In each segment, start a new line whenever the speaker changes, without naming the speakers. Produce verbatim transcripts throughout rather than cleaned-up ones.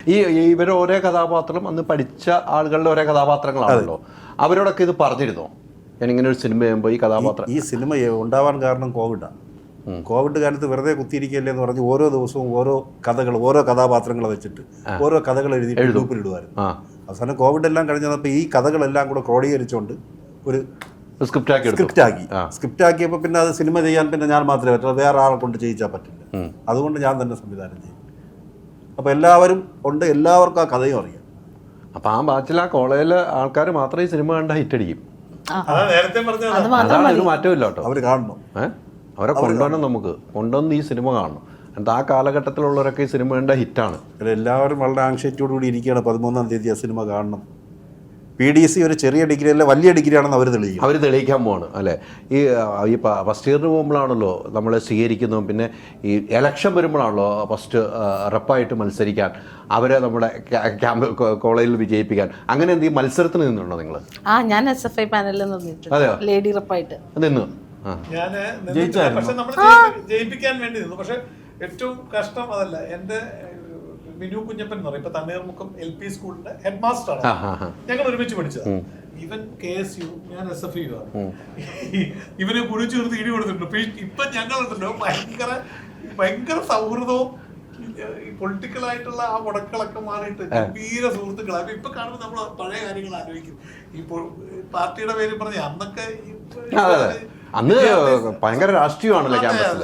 ഈ ഇവർ ഓരോ കഥാപാത്രം അന്ന് പഠിച്ച ആളുകളുടെ ഓരോ കഥാപാത്രങ്ങളാണല്ലോ. അവരോടൊക്കെ ഇത് പറഞ്ഞിരുന്നോ, ഞാനിങ്ങനെ ഒരു സിനിമ ചെയ്യുമ്പോൾ ഈ കഥാപാത്രം?
ഈ സിനിമ ഉണ്ടാവാൻ കാരണം കോവിഡാണ്. കോവിഡ് കാലത്ത് വെറുതെ കുത്തിയിരിക്കല്ലേ എന്ന് പറഞ്ഞ് ഓരോ ദിവസവും ഓരോ കഥകൾ, ഓരോ കഥാപാത്രങ്ങൾ വെച്ചിട്ട് ഓരോ കഥകൾ എഴുതി ഗ്രൂപ്പിലിടുമായിരുന്നു. അവസാനം കോവിഡ് എല്ലാം കഴിഞ്ഞപ്പോൾ ഈ കഥകളെല്ലാം കൂടെ ക്രോഡീകരിച്ചുകൊണ്ട് ഒരു
സ്ക്രിപ്റ്റ് ആക്കി
സ്ക്രിപ്റ്റ് ആക്കി സ്ക്രിപ്റ്റ് ആക്കിയപ്പോൾ പിന്നെ അത് സിനിമ ചെയ്യാൻ പിന്നെ ഞാൻ മാത്രമേ പറ്റുള്ളൂ, വേറെ ആളെ കൊണ്ട് ചെയ്യിച്ചാൽ പറ്റില്ല. അതുകൊണ്ട് ഞാൻ തന്നെ സംവിധാനം ചെയ്യും. അപ്പോൾ എല്ലാവരും ഉണ്ട്, എല്ലാവർക്കും ആ കഥയും അറിയാം.
അപ്പം ആ ബാച്ചിൽ ആ കോളേജിലെ ആൾക്കാർ മാത്രമേ ഈ സിനിമ കണ്ട ഹിറ്റടിക്കും. അതാണ് ഒരു മാറ്റമില്ല കേട്ടോ.
അവർ കാണണം,
ഏഹ് അവരെ കൊണ്ടുവരണം, നമുക്ക് കൊണ്ടുവന്ന് ഈ സിനിമ കാണണം. എന്നിട്ട് ആ കാലഘട്ടത്തിലുള്ളവരൊക്കെ ഈ സിനിമ കണ്ട ഹിറ്റാണ്.
എല്ലാവരും വളരെ ആങ്ഷൈറ്റിയോട് കൂടി ഇരിക്കുകയാണ് പതിമൂന്നാം തീയതി ആ സിനിമ കാണണം. പി ഡി സി ഒരു ചെറിയ ഡിഗ്രി അല്ല, വലിയ ഡിഗ്രി ആണെന്ന് അവർ തെളിയിക്കും.
അവർ തെളിയിക്കാൻ പോവാണ് അല്ലേ. ഈ ഈ ഫസ്റ്റ് ഇയറിന് പോകുമ്പോഴാണല്ലോ നമ്മൾ സ്വീകരിക്കുന്നതും, പിന്നെ ഈ എലക്ഷൻ വരുമ്പോഴാണല്ലോ ഫസ്റ്റ് റെപ്പായിട്ട് മത്സരിക്കാൻ അവരെ നമ്മുടെ ക്യാമ്പ് കോളേജിൽ വിജയിപ്പിക്കാൻ. അങ്ങനെ എന്തെങ്കിലും മത്സരത്തിന് നിന്നുണ്ടോ നിങ്ങൾ?
ആ, ഞാൻ എസ് എഫ് ഐ പാനലിൽ നിന്നിട്ടുണ്ട്.
അതെയോ?
ലേഡി റെപ്പായിട്ട്
നിന്ന്
ഞാൻ പക്ഷെ നമ്മൾ ജയിപ്പിക്കാൻ വേണ്ടി നിന്നു. പക്ഷെ ഏറ്റവും കഷ്ടം അതല്ല, എന്റെ മിനു കുഞ്ഞപ്പൻ എന്ന് പറയും, ഇപ്പൊ തണ്ണീർമുക്കം എൽ പി സ്കൂളിന്റെ ഹെഡ് മാസ്റ്റർ ആണ്. ഞങ്ങൾ ഒരുമിച്ച് പഠിച്ചത്. ഇവൻ കെ എസ് യു, ഞാൻ എസ് എഫ് യു ആണ്. ഇവനെ കുഴി ചേർത്ത് ഇടി കൊടുത്തിട്ടുണ്ട്. ഇപ്പൊ ഞങ്ങളുണ്ടല്ലോ ഭയങ്കര ഭയങ്കര സൗഹൃദവും ഈ പൊളിറ്റിക്കൽ ആയിട്ടുള്ള ആ മുടക്കളൊക്കെ മാറിയിട്ട് ഗംഭീര സുഹൃത്തുക്കളാണ്. അപ്പൊ ഇപ്പൊ കാണുമ്പോൾ നമ്മൾ പഴയ കാര്യങ്ങൾ ആലോചിക്കും. ഈ പാർട്ടിയുടെ പേര് പറഞ്ഞ അന്നൊക്കെ
അന്ന് ഭയങ്കര രാഷ്ട്രീയമാണല്ലോ ക്യാമ്പസിൽ.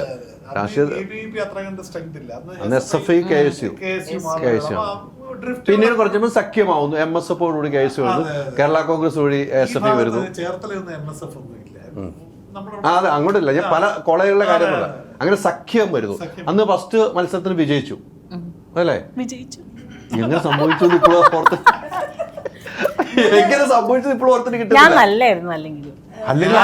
പിന്നീട് കുറച്ചുമ്പോൾ സഖ്യമാവുന്നു, എം എസ് എഫോടുകൂടി കെ എസ് യു വരുന്നു, കേരള കോൺഗ്രസ് വഴി എസ് എഫ് ഐ വരുന്നു. അതെ, അങ്ങോട്ടില്ല, ഞാൻ പല കോളേജുകളിലെ കാര്യം പറയാം. അങ്ങനെ സഖ്യം വരുന്നു. അന്ന് ഫസ്റ്റ് മത്സരത്തിന് വിജയിച്ചു അല്ലേ?
വിജയിച്ചു.
എങ്ങനെ സംഭവിച്ചു ഇപ്പോഴും ഓർത്ത് എങ്ങനെ സംഭവിച്ചത് ഇപ്പോഴും ഓർത്തിന് കിട്ടും.
ഞാൻ നല്ലായിരുന്നു അല്ലെങ്കിൽ
അല്ലെങ്കിൽ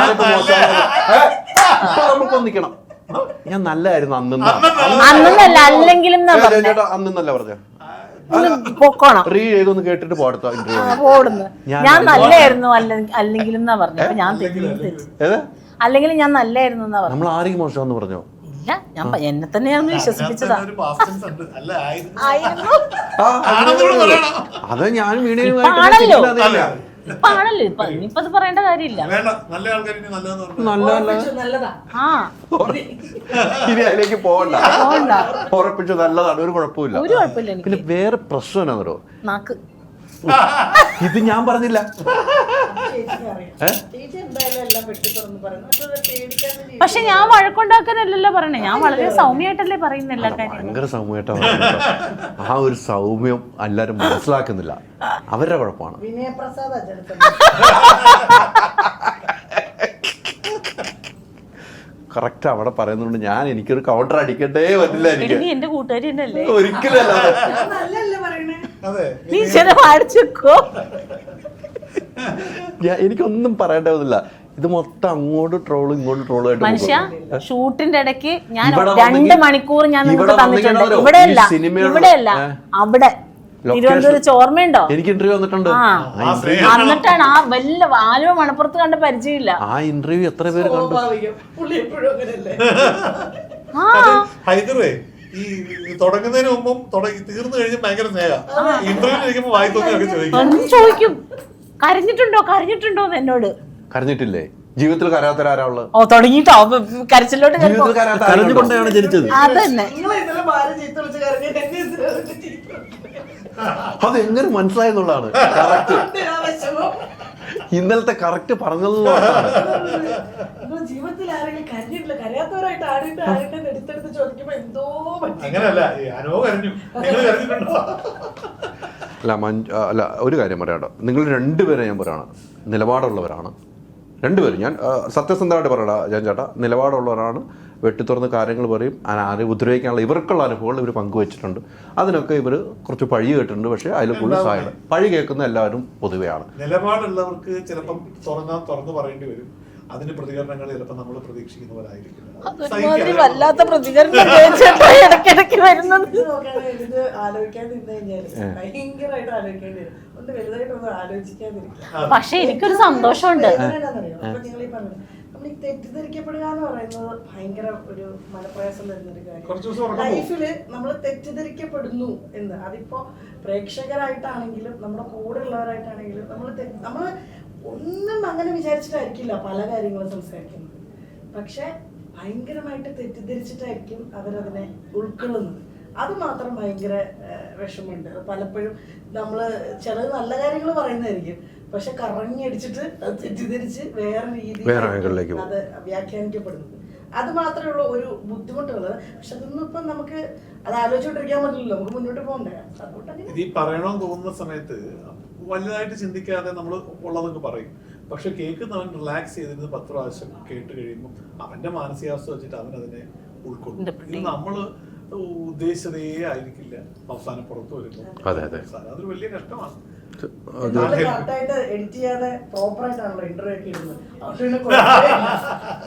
നമുക്ക് ഒന്നിക്കണം. ഞാൻ നല്ലായിരുന്നു അന്നല്ല,
അല്ലെങ്കിലും
അന്നല്ല പറഞ്ഞ
റീ
ചെയ്തൊന്ന് കേട്ടിട്ട് പോടുത്ത
പോടുന്നു. ഞാൻ നല്ലായിരുന്നു അല്ലെങ്കിലും എന്നാ പറഞ്ഞു. ഞാൻ അല്ലെങ്കിൽ ഞാൻ നല്ലായിരുന്നു എന്നാ പറഞ്ഞു.
നമ്മൾ ആരെയും മോശമെന്ന് പറഞ്ഞോ?
ഇല്ല, ഞാൻ എന്നെ തന്നെയാണ് വിശ്വസിപ്പിച്ചതാ.
അത് ഞാൻ വീണു
ഇപ്പൊ ആണല്ലോ, ഇപ്പൊ ഇനിയിപ്പോ അത് പറയേണ്ട കാര്യമില്ല.
ഇനി അതിലേക്ക് പോകണ്ട, ഉറപ്പിച്ചു നല്ലതാണ്, ഒരു കുഴപ്പമില്ല.
ഒരു കുഴപ്പമില്ല.
പിന്നെ വേറെ പ്രശ്നം എന്നാണോ
നാക്ക്,
ഇത് ഞാൻ പറഞ്ഞില്ല.
പക്ഷെ ഞാൻ വഴക്കുണ്ടാക്കാനല്ലല്ലോ പറയണേ, ഞാൻ വളരെ സൗമ്യമായിട്ടല്ലേ പറയുന്ന എല്ലാ കാര്യം.
ഭയങ്കര സൗമ്യമായിട്ടാണ്. ആ ഒരു സൗമ്യം എല്ലാരും മനസ്സിലാക്കുന്നില്ല, അവരുടെ കുഴപ്പമാണ്. കറക്റ്റ് അവിടെ പറയുന്നുണ്ട്. ഞാൻ എനിക്കൊരു കൗണ്ടർ അടിക്കട്ടേ പറ്റില്ല. എനിക്ക്
എന്റെ കൂട്ടുകാരി തന്നെയല്ലേ,
ഒരിക്കലും എനിക്കൊന്നും പറയേണ്ടതില്ല. ഇത് മൊത്തം അങ്ങോട്ട് ട്രോള് ഇങ്ങോട്ട് ട്രോള് ആയിട്ട്
മനുഷ്യ. ഷൂട്ടിന്റെ ഇടയ്ക്ക് ഞാൻ രണ്ട് മണിക്കൂർ ഞാൻ നിങ്ങൾക്ക് തന്നിട്ടുണ്ട്. ഇവിടെയല്ല, ഇവിടെയല്ല, അവിടെ തിരുവനന്തപുരത്ത് ഓർമ്മയുണ്ടോ?
എനിക്ക് ഇന്റർവ്യൂ വന്നിട്ടുണ്ട്.
എന്നിട്ടാണ് ആ വല്ല ആലുവ മണപ്പുറത്ത് കണ്ട പരിചയമില്ല.
ആ ഇന്റർവ്യൂ എത്ര പേര് കണ്ടു?
ഈ തുടങ്ങുന്നതിന് മുമ്പും തീർന്നു കഴിഞ്ഞ് ഭയങ്കര സ്നേഹം. ഇന്റർവ്യൂ വായി തോന്നി
ചോദിക്കും, കരഞ്ഞിട്ടുണ്ടോ കരഞ്ഞിട്ടുണ്ടോ എന്നോട്.
കരഞ്ഞിട്ടില്ലേ? ജീവിതത്തിൽ കരാത്തരാരാ ഉള്ളത്?
ഓ, തുടങ്ങിട്ടോ കരച്ചിലോട്ട്.
കരഞ്ഞുകൊണ്ടാണ് ജനിച്ചത്.
അതന്നെ.
അതെങ്ങനെ മനസ്സിലായെന്നുള്ളതാണ് കറക്റ്റ്. ഇന്നലത്തെ കറക്റ്റ് പറഞ്ഞതെന്നുള്ളതാണ്. അല്ല മഞ്ജു, അല്ല ഒരു കാര്യം പറയാട്ടോ, നിങ്ങൾ രണ്ടുപേരെ ഞാൻ പറയണം, നിലപാടുള്ളവരാണ് രണ്ടുപേരും. ഞാൻ സത്യസന്ധമായിട്ട് പറയടാ ഞാൻ ചേട്ടാ, നിലപാടുള്ളവരാണ്. വെട്ടിത്തുറന്ന് കാര്യങ്ങൾ പറയും. ആരെ ഉപദ്രവിക്കാനുള്ള ഇവർക്കുള്ള അനുഭവങ്ങൾ ഇവർ പങ്കുവച്ചിട്ടുണ്ട്. അതിനൊക്കെ ഇവർ കുറച്ച് പഴി കേട്ടിട്ടുണ്ട്. പക്ഷേ അതിൽ കൂടുതൽ സഹായം പഴി കേൾക്കുന്ന എല്ലാവരും പൊതുവെയാണ്.
നിലപാടുള്ളവർക്ക് ചിലപ്പം തുറന്നാ തുറന്നു പറയേണ്ടി വരും. അതിന് പ്രതികരണങ്ങൾ ചിലപ്പോൾ നമ്മൾ പ്രതീക്ഷിക്കുന്നവരായിരിക്കും.
വല്ലാത്ത പ്രതികരണം ഇടയ്ക്കിടയ്ക്ക് വരുന്നത്. പക്ഷെ എനിക്കൊരു സന്തോഷമുണ്ട്.
പബ്ലിക് തെറ്റിദ്ധരിക്കപ്പെടുക എന്ന് പറയുന്നത് ഭയങ്കര ഒരു മനപ്രയാസം തരുന്നൊരു
കുറച്ച് ദിവസം
കാര്യം.
ഉറക്കം
ലൈഫില് നമ്മൾ തെറ്റിദ്ധരിക്കപ്പെടുന്നു എന്ന്, അതിപ്പോ പ്രേക്ഷകരായിട്ടാണെങ്കിലും നമ്മുടെ കൂടെ ഉള്ളവരായിട്ടാണെങ്കിലും നമ്മൾ നമ്മൾ ഒന്നും അങ്ങനെ വിചാരിച്ചിട്ടായിരിക്കില്ല പല കാര്യങ്ങളും സംസാരിക്കുന്നത്. പക്ഷെ ഭയങ്കരമായിട്ട് തെറ്റിദ്ധരിച്ചിട്ടായിരിക്കും അവരതിനെ ഉൾക്കൊള്ളുന്നത്. അത് മാത്രം ഭയങ്കര വിഷമമുണ്ട്. പലപ്പോഴും നമ്മൾ ചിലത് നല്ല കാര്യങ്ങൾ പറയുന്നതായിരിക്കും, പക്ഷെ കറങ്ങി അടിച്ചിട്ട് അത് തെറ്റിദ്ധരിച്ച് വേറെ രീതിയിൽ അത് വ്യാഖ്യാനിക്കപ്പെടുന്നത്. അത് മാത്രമേ ഉള്ളൂ ഒരു ബുദ്ധിമുട്ടുള്ളത്. പക്ഷെ അതൊന്നും ഇപ്പം നമുക്ക് അത് ആലോചിച്ചോണ്ടിരിക്കാൻ പറ്റില്ലല്ലോ, നമുക്ക് മുന്നോട്ട് പോകണ്ടേ. അതുകൊണ്ട്
ഇത് ഈ പറയണമെന്ന് തോന്നുന്ന സമയത്ത് വലുതായിട്ട് ചിന്തിക്കാതെ നമ്മൾ ഉള്ളതൊക്കെ പറയും. പക്ഷെ കേൾക്കുന്നവൻ റിലാക്സ് ചെയ്തിരുന്ന് പത്ത് പ്രാവശ്യം കേട്ട് കഴിയുമ്പോൾ അവന്റെ മാനസികാവസ്ഥ വെച്ചിട്ട് അവൻ അതിനെ ഉൾക്കൊള്ളും. ഇത് നമ്മള് ഉദ്ദേശിച്ചതേ ആയിരിക്കില്ല അവസാനം പുറത്തു വരുമ്പോൾ. അതൊരു വലിയ കഷ്ടമാണ്.
കറക്റ്റായിട്ട് എഡിറ്റ് ചെയ്യാതെ പ്രോപ്പർ ആയിട്ടാണല്ലോ ഇന്റർവ്യൂ ഒക്കെ ഇടുന്നത്. അതുകൊണ്ട്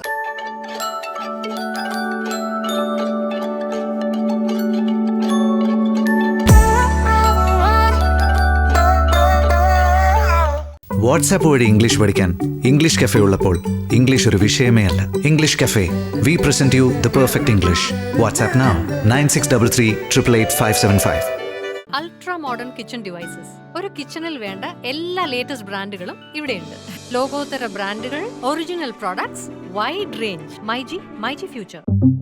വാട്സാപ്പ് വഴി ഇംഗ്ലീഷ് പഠിക്കാൻ ഇംഗ്ലീഷ് കഫേ ഉള്ളപ്പോൾ ഇംഗ്ലീഷ് ഒരു വിഷയമേ അല്ല. English cafe, we present you the perfect English. WhatsApp now nine six double three triple eight five seven five.
Ultra modern kitchen devices. ഒരു കിച്ചണിൽ വേണ്ട എല്ലാ ലേറ്റസ്റ്റ് ബ്രാൻഡുകളും ഇവിടെയുണ്ട്. ലോകോത്തര ബ്രാൻഡുകൾ, original products, wide range. MyG, myG future.